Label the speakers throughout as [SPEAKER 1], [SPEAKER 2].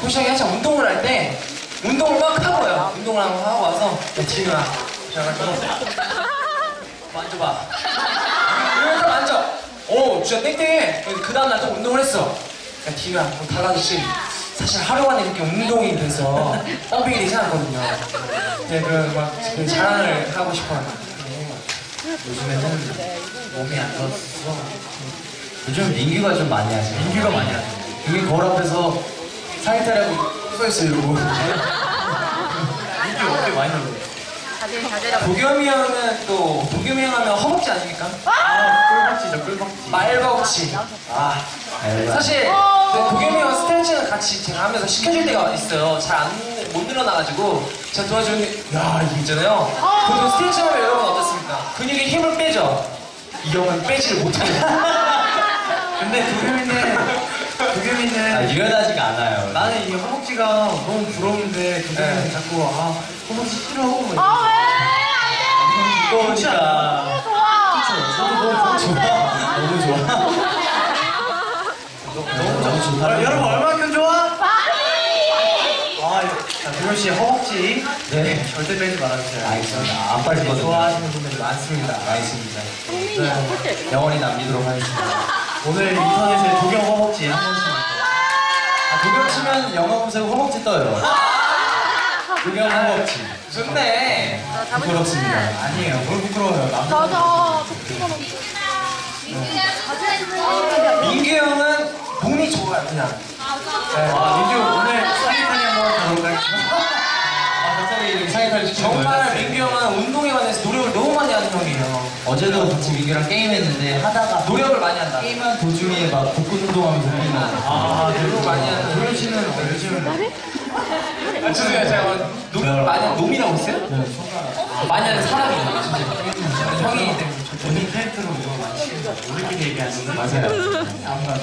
[SPEAKER 1] 형이 한참 운동을 할 때 운동을 막 하고요. 운동을 하고 와서 야 지은아 그래가지고 만져봐. 이러면서 만져. 오 진짜 땡땡해. 그 다음날 또 운동을 했어. 야 디누야 뭐 달라졌지? 사실 하루 만에 이렇게 운동이 돼서 펌핑이 되지 않거든요. 네, 그 자랑을 하고 싶어요.
[SPEAKER 2] 요즘에는 몸이 안 좋아서
[SPEAKER 3] 요즘 민규가 좀 많이 하죠.
[SPEAKER 2] 민규가 많이 하죠.
[SPEAKER 3] 여기 거울 앞에서 상의탈이라고 써있어요, 이러고.
[SPEAKER 2] 민규 어깨 많이 나고.
[SPEAKER 1] 도겸이 형은 또 도겸이 형 하면 허벅지 아닙니까?
[SPEAKER 2] 꿀벅지죠, 꿀벅지.
[SPEAKER 1] 말벅지. 사실 도겸이 형 스트레칭을 같이 제가 하면서 시켜줄 때가 있어요. 잘 못 늘어나가지고 제가 도와주는 야 이게 있잖아요. 보통 스트레칭하면 여러분 어떻습니까? 근육에 힘을 빼죠. 이 형은 빼지를 못해요.
[SPEAKER 2] 근데 도겸이는
[SPEAKER 3] 유연하지가 않아요.
[SPEAKER 2] 나는 이 허벅지가 너무 부러운데 도겸이는 자꾸 허벅지 싫어. 뭐
[SPEAKER 3] 무거우니까.
[SPEAKER 2] 너무 좋아. 너무 좋다. 여러분 얼마큼 좋아? 자, 도겸 씨 허벅지 절대 빼지 말아주세요.
[SPEAKER 3] 알겠습니다. 안 빠지거든요.
[SPEAKER 2] 좋아하시는 분들이 많습니다.
[SPEAKER 3] 알겠습니다. 영원히 남기도록 하겠습니다.
[SPEAKER 2] 오늘 인터넷에 도겸 허벅지 한 번씩.
[SPEAKER 3] 도겸 치면 영어 검색 허벅지 떠요. 도겸 허벅지.
[SPEAKER 1] 좋네.
[SPEAKER 3] 부끄럽습니다.
[SPEAKER 2] 아니에요. 뭘 부끄러워요.
[SPEAKER 1] 민규 형은 몸이 좋아요 그냥.
[SPEAKER 2] 민규 오늘 사기타니 한번 가도록 하겠습니다.
[SPEAKER 3] 갑자기 상의탈
[SPEAKER 1] 정말 민규 형은 운동에 관해서 노력을 너무 많이 하는 형이에요.
[SPEAKER 3] 어제도 같이 민규랑 게임했는데 하다가
[SPEAKER 1] 노력을 많이 한다.
[SPEAKER 3] 게임한 도중에 막 복근 운동하면서 게임하고.
[SPEAKER 1] 노력 많이 하는
[SPEAKER 2] 도겸 씨는 요즘
[SPEAKER 1] 죄송해요. 제가 노력을 많이 하는 놈이라고 했어요? 많이 하는 사람이에요. 진짜. 형이
[SPEAKER 2] 본인 캐릭터로 이거 많이 치는다. 우리끼리 얘기하는 거
[SPEAKER 3] 맞아요.
[SPEAKER 2] 아무나.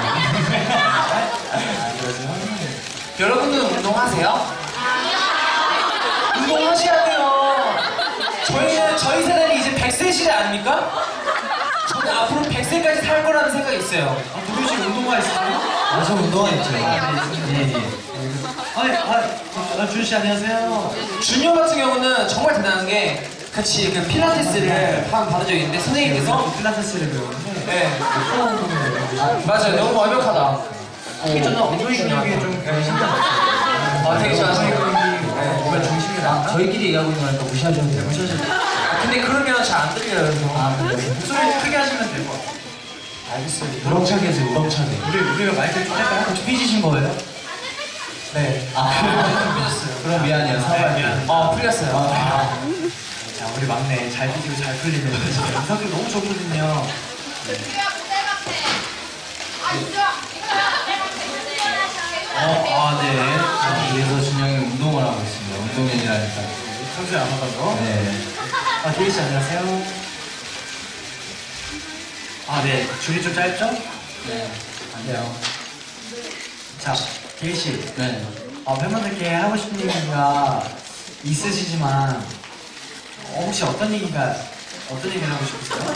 [SPEAKER 1] 여러분들은 운동하세요? 운동하셔야 돼요. 저희 세대는 이제 100세 시대 아닙니까? 저는 앞으로 100세까지 살 거라는 생각이 있어요.
[SPEAKER 2] 도겸 씨 운동화 있어요?
[SPEAKER 3] 저 운동화 있죠.
[SPEAKER 2] 준 씨 안녕하세요.
[SPEAKER 1] 준영 같은 경우는 정말 대단한 게 같이 그 필라테스를 받은 적이 있는데 선생님께서
[SPEAKER 2] 필라테스를 배우는데
[SPEAKER 1] 네. 맞아요. 너무 완벽하다.
[SPEAKER 2] 저는 엉덩이 근육이 좀 힘들어요.
[SPEAKER 1] 되게 좋아하시네요.
[SPEAKER 2] 몸의 중심이 나가.
[SPEAKER 3] 저희끼리 얘기하고 있는 거니까 무시하셔도 돼요.
[SPEAKER 1] 근데 그러면 잘 안 들려요.
[SPEAKER 2] 목소리 크게 하시면 되고.
[SPEAKER 3] 알겠어요. 우렁차게 해주세요, 우렁차게.
[SPEAKER 2] 우리가 마이크 좀 할까요?
[SPEAKER 3] 혹시 삐지신 거예요?
[SPEAKER 1] 네.
[SPEAKER 3] 풀렸어요. 그럼 미안해요. 사과할게요.
[SPEAKER 1] 풀렸어요.
[SPEAKER 2] 자, 우리 막내 잘 삐지고 잘 풀리는 인상도 너무 좋거든요. 네.
[SPEAKER 3] 그래서 준영이 운동을 하고 있습니다. 운동인이라니까.
[SPEAKER 2] 평소에 안 하던
[SPEAKER 3] 네.
[SPEAKER 2] 데이 씨 안녕하세요. 네. 줄이 좀 짧죠?
[SPEAKER 3] 네. 안 돼요.
[SPEAKER 2] 자, 데이 씨.
[SPEAKER 3] 네.
[SPEAKER 2] 팬분들께 하고 싶은 얘기가 있으시지만 혹시 어떤 얘기를 하고 싶으세요?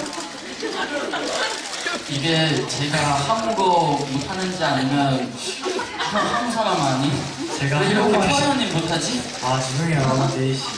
[SPEAKER 4] 이게 제가 한국어 못하는지 아니면 한국 사람 아니?
[SPEAKER 2] 제가
[SPEAKER 4] 왜 이렇게
[SPEAKER 2] 한국어
[SPEAKER 4] 표현이 못하지?
[SPEAKER 2] 죄송해요, 데이 씨.